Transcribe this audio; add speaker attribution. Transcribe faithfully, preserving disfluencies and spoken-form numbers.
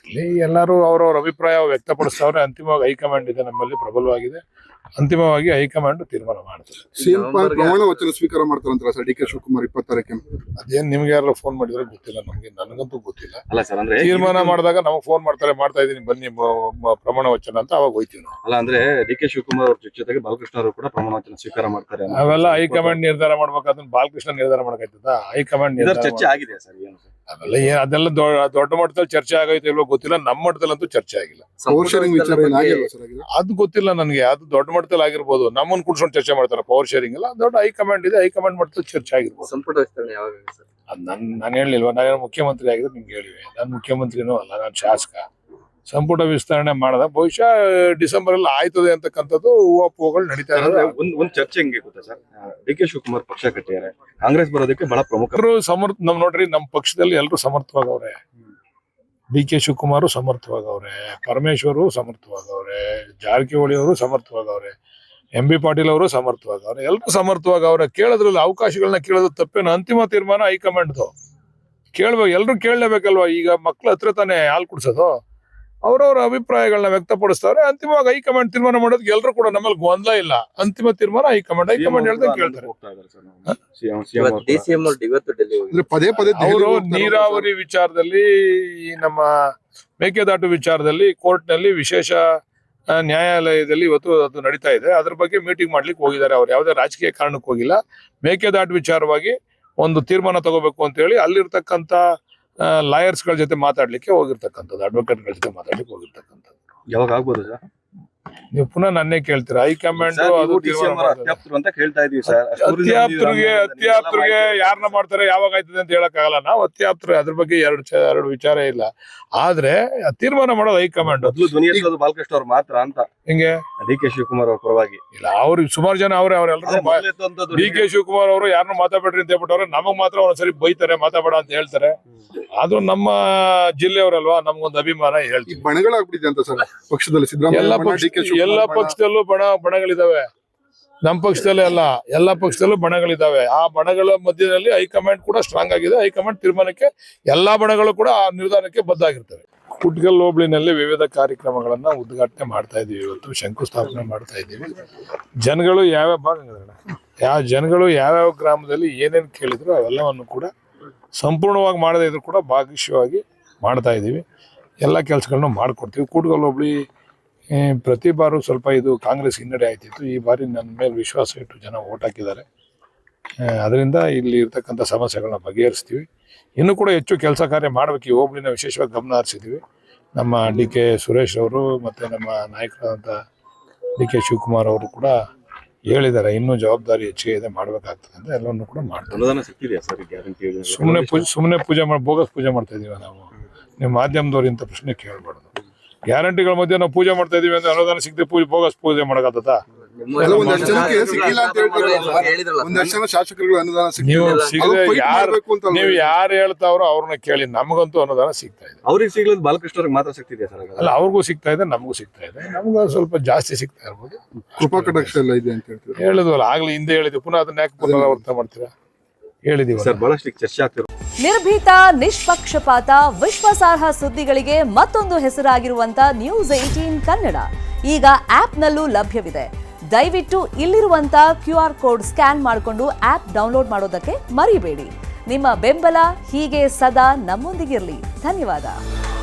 Speaker 1: ಇಲ್ಲಿ ಎಲ್ಲರೂ ಅವರವರ ಅಭಿಪ್ರಾಯ ವ್ಯಕ್ತಪಡಿಸ್ತವ್ರೆ. ಅಂತಿಮವಾಗಿ ಹೈಕಮಾಂಡ್ ಇದೆ ನಮ್ಮಲ್ಲಿ ಪ್ರಬಲವಾಗಿದೆ. ಅಂತಿಮವಾಗಿ ಹೈಕಮಾಂಡ್ ತೀರ್ಮಾನ ಮಾಡ್ತಾರೆ.
Speaker 2: ಸಿಎಂ ಪ್ರಮಾಣ ವಚನ ಸ್ವೀಕಾರ ಮಾಡ್ತಾರಂತ ಸರ್ ಡಿ ಕೆ ಶಿವಕುಮಾರ್ ಇಪ್ಪತ್ತು ತಾರೀಕಿನ.
Speaker 1: ಅದೇನ್ ನಿಮ್ಗೆ ಯಾರು ಫೋನ್ ಮಾಡಿದ್ರೆ ಗೊತ್ತಿಲ್ಲ, ನಮ್ಗೆ ನನಗಂತೂ ಗೊತ್ತಿಲ್ಲ.
Speaker 3: ಅಲ್ಲ ಸರ್, ಅಂದ್ರೆ
Speaker 1: ತೀರ್ಮಾನ ಮಾಡಿದಾಗ ನಮಗ್ ಫೋನ್ ಮಾಡ್ತಾರೆ, ಮಾಡ್ತಾ ಇದೀನಿ ಬನ್ನಿ ಪ್ರಮಾಣ ವಚನ ಅಂತ, ಅವಾಗ ಹೋಯ್ತೀವಿ ನಾವು.
Speaker 3: ಅಲ್ಲ ಅಂದ್ರೆ ಡಿ ಕೆ ಶಿವಕುಮಾರ್ ಅವ್ರ ಜೊತೆಗೆ ಬಾಲಕೃಷ್ಣ ಅವರು ಕೂಡ ಪ್ರಮಾಣ ವಚನ ಸ್ವೀಕಾರ ಮಾಡ್ತಾರೆ.
Speaker 1: ಅವೆಲ್ಲ ಹೈಕಮಾಂಡ್ ನಿರ್ಧಾರ ಮಾಡ್ಬೇಕಾದ್ರೆ ಬಾಲಕೃಷ್ಣ ನಿರ್ಧಾರ ಮಾಡಕಾಯ್ತದ? ಹೈಕಮಾಂಡ್
Speaker 3: ಚರ್ಚೆ ಆಗಿದೆ ಸರ್? ಏನು
Speaker 1: ಅವೆಲ್ಲ ಏನ್ ಅದೆಲ್ಲ ದೊಡ್ಡ ಮಟ್ಟದಲ್ಲಿ ಚರ್ಚೆ ಆಗೈತೆ ಇಲ್ವೋ ಗೊತ್ತಿಲ್ಲ. ನಮ್ಮ ಮಟ್ಟದಲ್ಲಂತೂ ಚರ್ಚೆ ಆಗಿಲ್ಲ. ಅದು ಗೊತ್ತಿಲ್ಲ ನನಗೆ. ಅದು ದೊಡ್ಡ ಮಟ್ಟದಲ್ಲಿ ಆಗಿರ್ಬೋದು. ನಮ್ಮನ್ನ ಕುಡ್ಸ್ಕೊಂಡು ಚರ್ಚೆ ಮಾಡ್ತಾರೆ. ಪವರ್ ಶೇರಿಂಗ್ ಎಲ್ಲ ದೊಡ್ಡ ಹೈಕಮಾಂಡ್ ಇದೆ, ಹೈಕಮಾಂಡ್ ಮಟ್ಟದಲ್ಲಿ ಚರ್ಚೆ ಆಗಿರ್ಬೋದು.
Speaker 4: ಸಂಪುಟ ವಿಸ್ತರಣೆ ಯಾವಾಗ ಸರ್?
Speaker 1: ಅದ್ ನನ್ ನಾನು ಹೇಳಿಲ್ವಾ? ನಾನು ಮುಖ್ಯಮಂತ್ರಿ ಆಗಿದ್ರೆ ನಿಮ್ಗೆ ಹೇಳಿವೆ. ನಾನು ಮುಖ್ಯಮಂತ್ರಿನೂ ಅಲ್ಲ, ನಾನು ಶಾಸಕ. ಸಂಪುಟ ವಿಸ್ತರಣೆ ಮಾಡದ ಬಹುಶಃ ಡಿಸೆಂಬರ್ ಅಲ್ಲಿ ಆಯ್ತದೆ ಅಂತಕ್ಕಂಥದ್ದು ಹೂವಾಪುಗಳು ನಡೀತಾ ಇದ್ದಾರೆ.
Speaker 3: ಒಂದ್ ಒಂದ್ ಚರ್ಚೆ ಹೆಂಗೆ ಗೊತ್ತಾ ಸರ್, ಡಿ ಕೆ ಶಿವಕುಮಾರ್ ಪಕ್ಷ ಕಟ್ಟಿದ್ದಾರೆ, ಕಾಂಗ್ರೆಸ್ ಬರೋದಕ್ಕೆ ಬಹಳ ಪ್ರಮುಖ
Speaker 1: ಸಮರ್ಥ. ನಮ್ ನೋಡ್ರಿ, ನಮ್ ಪಕ್ಷದಲ್ಲಿ ಎಲ್ಲರೂ ಸಮರ್ಥವಾಗವ್ರೆ. ಡಿ ಕೆ ಶಿವಕುಮಾರ್ ಸಮರ್ಥವಾಗವ್ರೆ, ಪರಮೇಶ್ವರು ಸಮರ್ಥವಾಗವ್ರೆ, ಜಾರಕಿಹೊಳಿ ಅವರು ಸಮರ್ಥವಾಗವ್ರೆ, ಎಂ ಬಿ ಪಾಟೀಲ್ ಅವರು ಸಮರ್ಥವಾಗವ್ರೆ, ಎಲ್ಲರೂ ಸಮರ್ಥವಾಗವ್ರೆ. ಕೇಳೋದ್ರಲ್ಲಿ ಅವಕಾಶಗಳನ್ನ ಕೇಳೋದು ತಪ್ಪೇನು? ಅಂತಿಮ ತೀರ್ಮಾನ ಹೈಕಮಾಂಡ್ದು. ಕೇಳ್ಬೇಕು, ಎಲ್ರು ಕೇಳಲೇಬೇಕಲ್ವಾ? ಈಗ ಮಕ್ಳ ಹತ್ರ ತಾನೇ ಹಾಲು ಕುಡ್ಸೋದು. ಅವ್ರವ್ರ ಅಭಿಪ್ರಾಯಗಳನ್ನ ವ್ಯಕ್ತಪಡಿಸ್ತಾರೆ. ಅಂತಿಮವಾಗಿ ಹೈಕಮಾಂಡ್ ತೀರ್ಮಾನ ಮಾಡೋದಕ್ಕೆ ಎಲ್ಲರೂ ಕೂಡ ನಮ್ಮಲ್ಲಿ ಗೊಂದಲ ಇಲ್ಲ. ಅಂತಿಮ ತೀರ್ಮಾನ ಹೈಕಮಾಂಡ್ ಹೈಕಮಾಂಡ್ ಹೇಳ್ದಂಗೆ ಕೇಳ್ತಾರೆ. ಅವರು ನೀರಾವರಿ ವಿಚಾರದಲ್ಲಿ, ಈ ನಮ್ಮ ಮೇಕೆದಾಟು ವಿಚಾರದಲ್ಲಿ ಕೋರ್ಟ್ ನಲ್ಲಿ ವಿಶೇಷ ನ್ಯಾಯಾಲಯದಲ್ಲಿ ಇವತ್ತು ಅದು ನಡೀತಾ ಇದೆ. ಅದ್ರ ಬಗ್ಗೆ ಮೀಟಿಂಗ್ ಮಾಡ್ಲಿಕ್ಕೆ ಹೋಗಿದ್ದಾರೆ. ಅವ್ರು ಯಾವುದೇ ರಾಜಕೀಯ ಕಾರಣಕ್ಕೆ ಹೋಗಿಲ್ಲ. ಮೇಕೆದಾಟು ವಿಚಾರವಾಗಿ ಒಂದು ತೀರ್ಮಾನ ತಗೋಬೇಕು ಅಂತ ಹೇಳಿ ಅಲ್ಲಿರ್ತಕ್ಕಂಥ ಲಾಯರ್ಸ್ ಗಳ ಜೊತೆ ಮಾತಾಡ್ಲಿಕ್ಕೆ ಹೋಗಿರ್ತಕ್ಕಂಥದ್ದು, ಅಡ್ವೊಕೇಟ್ ಗಳ ಜೊತೆ ಮಾತಾಡ್ಲಿಕ್ಕೆ ಹೋಗಿರ್ತಕ್ಕಂಥದ್ದು.
Speaker 3: ಯಾವಾಗ ಆಗ್ಬೋದು ಸರ್?
Speaker 1: ನೀವು ಪುನಃ ನನ್ನೇ ಕೇಳ್ತೀರಾ? ಹೈಕಮಾಂಡ್
Speaker 3: ಅಂತ ಕೇಳ್ತಾ ಇದೀವಿ ಸರ್.
Speaker 1: ಅತ್ಯಾಪ್ತರಿಗೆ ಅತ್ಯಾಪ್ತರಿಗೆ ಯಾರನ್ನ ಮಾಡ್ತಾರೆ, ಯಾವಾಗ ಆಯ್ತದೆ ಅಂತ ಹೇಳಕ್ ಆಗಲ್ಲ. ನಾವು ಅತ್ಯಾಪ್ತರು, ಅದ್ರ ಬಗ್ಗೆ ಎರಡು ಎರಡು ವಿಚಾರ ಇಲ್ಲ. ಆದ್ರೆ ತೀರ್ಮಾನ ಮಾಡೋದು ಹೈಕಮಾಂಡ್.
Speaker 3: ಬಾಲಕೃಷ್ಣ ಅವ್ರು ಮಾತ್ರ ಅಂತ
Speaker 1: ಹಿಂಗೆ
Speaker 3: ಡಿ ಕೆ ಶಿವಕುಮಾರ್ ಅವ್ರ ಪರವಾಗಿ
Speaker 1: ಇಲ್ಲ. ಅವ್ರಿಗೆ ಸುಮಾರು ಜನ ಅವ್ರೆ, ಅವ್ರೆಲ್ಲರೂ ಡಿ ಕೆ ಶಿವಕುಮಾರ್ ಅವರು ಯಾರನ್ನು ಮಾತಾಡ್ಬೇಡ್ರಿ ಅಂತ ಹೇಳ್ಬಿಟ್ಟವ್ರೆ. ನಮಗ್ ಮಾತ್ರ ಒಂದ್ಸರಿ ಬೈತಾರೆ, ಮಾತಾಡಬೇಡ ಅಂತ ಹೇಳ್ತಾರೆ. ಆದ್ರೂ ನಮ್ಮ ಜಿಲ್ಲೆಯವರಲ್ವಾ, ನಮ್ಗೊಂದು ಅಭಿಮಾನ ಹೇಳ್ತೀವಿ.
Speaker 2: ಬಣಗಳಾಗ್ಬಿಟ್ಟಿದೆ ಅಂತ ಸರ್ ಪಕ್ಷದಲ್ಲಿ.
Speaker 1: ಎಲ್ಲ ಪಕ್ಷ ಎಲ್ಲ ಪಕ್ಷದಲ್ಲೂ ಬಣ ಬಣಗಳಿದಾವೆ. ನಮ್ಮ ಪಕ್ಷದಲ್ಲೇ ಅಲ್ಲ, ಎಲ್ಲ ಪಕ್ಷದಲ್ಲೂ ಬಣಗಳಿದಾವೆ. ಆ ಬಣಗಳ ಮಧ್ಯದಲ್ಲಿ ಹೈಕಮಾಂಡ್ ಕೂಡ ಸ್ಟ್ರಾಂಗ್ ಆಗಿದೆ. ಹೈಕಮಾಂಡ್ ತೀರ್ಮಾನಕ್ಕೆ ಎಲ್ಲಾ ಬಣಗಳು ಕೂಡ ಆ ನಿರ್ಧಾರಕ್ಕೆ ಬದ್ಧಾಗಿರ್ತವೆ. ಕುಟ್ಕಲ್ ಹೋಬಳಿನಲ್ಲಿ ವಿವಿಧ ಕಾರ್ಯಕ್ರಮಗಳನ್ನ ಉದ್ಘಾಟನೆ ಮಾಡ್ತಾ ಇದೀವಿ. ಇವತ್ತು ಶಂಕುಸ್ಥಾಪನೆ ಮಾಡ್ತಾ ಇದ್ದೀವಿ. ಜನಗಳು ಯಾವ್ಯಾವ ಭಾಗಗಳ ಯಾವ ಜನಗಳು ಯಾವ್ಯಾವ ಗ್ರಾಮದಲ್ಲಿ ಏನೇನು ಕೇಳಿದ್ರು ಅವೆಲ್ಲವನ್ನು ಕೂಡ ಸಂಪೂರ್ಣವಾಗಿ ಮಾಡದೇ ಇದ್ರು ಕೂಡ ಭಾಗಶವಾಗಿ ಮಾಡ್ತಾ ಇದ್ದೀವಿ. ಎಲ್ಲ ಕೆಲಸಗಳನ್ನ ಮಾಡಿಕೊಡ್ತೀವಿ. ಕೂಟ್ಕಲ್ ಹೋಬಳಿ ಪ್ರತಿ ಬಾರು ಸ್ವಲ್ಪ ಇದು ಕಾಂಗ್ರೆಸ್ ಹಿನ್ನಡೆ ಆಯ್ತಿತ್ತು. ಈ ಬಾರಿ ನನ್ನ ಮೇಲೆ ವಿಶ್ವಾಸ ಇಟ್ಟು ಜನ ಓಟ್ ಹಾಕಿದ್ದಾರೆ. ಅದರಿಂದ ಇಲ್ಲಿ ಇರ್ತಕ್ಕಂಥ ಸಮಸ್ಯೆಗಳನ್ನ ಬಗೆಹರಿಸ್ತೀವಿ. ಇನ್ನೂ ಕೂಡ ಹೆಚ್ಚು ಕೆಲಸ ಕಾರ್ಯ ಮಾಡಬೇಕು. ಈ ಹೋಬಳಿನ ವಿಶೇಷವಾಗಿ ಗಮನ ಹರಿಸಿದ್ದೀವಿ. ನಮ್ಮ ಡಿ ಕೆ ಸುರೇಶ್ ಅವರು ಮತ್ತು ನಮ್ಮ ನಾಯಕರಾದಂಥ ಡಿ ಕೆ ಶಿವಕುಮಾರ್ ಅವರು ಕೂಡ ಹೇಳಿದ್ದಾರೆ, ಇನ್ನೂ ಜವಾಬ್ದಾರಿ ಹೆಚ್ಚಿಗೆ ಇದೆ, ಮಾಡಬೇಕಾಗ್ತದೆ ಅಂತ. ಎಲ್ಲವನ್ನು ಕೂಡ ಮಾಡ್ತಾರೆ. ಸುಮ್ಮನೆ ಪೂಜೆ ಸುಮ್ಮನೆ ಪೂಜೆ ಮಾಡಿ ಬೋಗಸ್ ಪೂಜೆ ಮಾಡ್ತಾ ಇದೀವಿ ನಾವು. ನೀವು ಮಾಧ್ಯಮದವ್ರು ಇಂಥ ಪ್ರಶ್ನೆ ಕೇಳಬಾರ್ದು. ಗ್ಯಾರಂಟಿಗಳ ಮಧ್ಯೆ ನಾವು ಪೂಜೆ ಮಾಡ್ತಾ ಇದೀವಿ ಅಂತ ಅನುದಾನ ಸಿಗದೆ ಪೂಜೆ ಬೋಗಸ್ ಪೂಜೆ ಮಾಡಕತ್ತ? ನೀವು ಸಿಗದೆ ಯಾರು ನೀವು ಯಾರು ಹೇಳ್ತಾವ್ರೋ ಅವ್ರನ್ನ ಕೇಳಿ. ನಮಗಂತೂ ಅನುದಾನ ಸಿಗ್ತಾ ಇದೆ.
Speaker 3: ಅವ್ರಿಗೆ ಸಿಗ್ಲದ್ ಬಾಲಕೃಷ್ಣ ಅವ್ರಿಗೆ ಮಾತ್ರ ಸಿಗ್ತಿದೆ ಸರ್?
Speaker 1: ಅಲ್ಲ, ಅವ್ರಿಗೂ ಸಿಗ್ತಾ ಇದೆ, ನಮಗೂ ಸಿಗ್ತಾ ಇದೆ. ನಮ್ಗೆ ಸ್ವಲ್ಪ ಜಾಸ್ತಿ ಸಿಗ್ತಾ ಇರ್ಬೋದು.
Speaker 2: ಕೃಪಾ ಕಟಾಕ್ಷ ಎಲ್ಲ ಇದೆ ಅಂತ ಹೇಳ್ತೀವಿ.
Speaker 1: ಹೇಳಿದ್ವಲ್ಲ ಆಗ್ಲಿ, ಹಿಂದೆ ಹೇಳಿದ್ವಿ. ಪುನಃ ಅದನ್ನ ಯಾಕೆ ಪುನರಾವರ್ತ ಮಾಡ್ತೀರಾ? ಹೇಳಿದೀವಿ
Speaker 3: ಸರ್, ಬಹಳಷ್ಟು ಚರ್ಚೆ ಆಗ್ತಿರೋ.
Speaker 5: ನಿರ್ಭೀತ, ನಿಷ್ಪಕ್ಷಪಾತ, ವಿಶ್ವಾಸಾರ್ಹ ಸುದ್ದಿಗಳಿಗೆ ಮತ್ತೊಂದು ಹೆಸರಾಗಿರುವಂತ ನ್ಯೂಸ್ ಏಟೀನ್ ಕನ್ನಡ ಈಗ ಆಪ್ನಲ್ಲೂ ಲಭ್ಯವಿದೆ. ದಯವಿಟ್ಟು ಇಲ್ಲಿರುವಂತ ಕ್ಯೂ ಆರ್ ಕೋಡ್ ಸ್ಕ್ಯಾನ್ ಮಾಡಿಕೊಂಡು ಆಪ್ ಡೌನ್ಲೋಡ್ ಮಾಡೋದಕ್ಕೆ ಮರಿಬೇಡಿ. ನಿಮ್ಮ ಬೆಂಬಲ ಹೀಗೆ ಸದಾ ನಮ್ಮೊಂದಿಗಿರಲಿ. ಧನ್ಯವಾದ.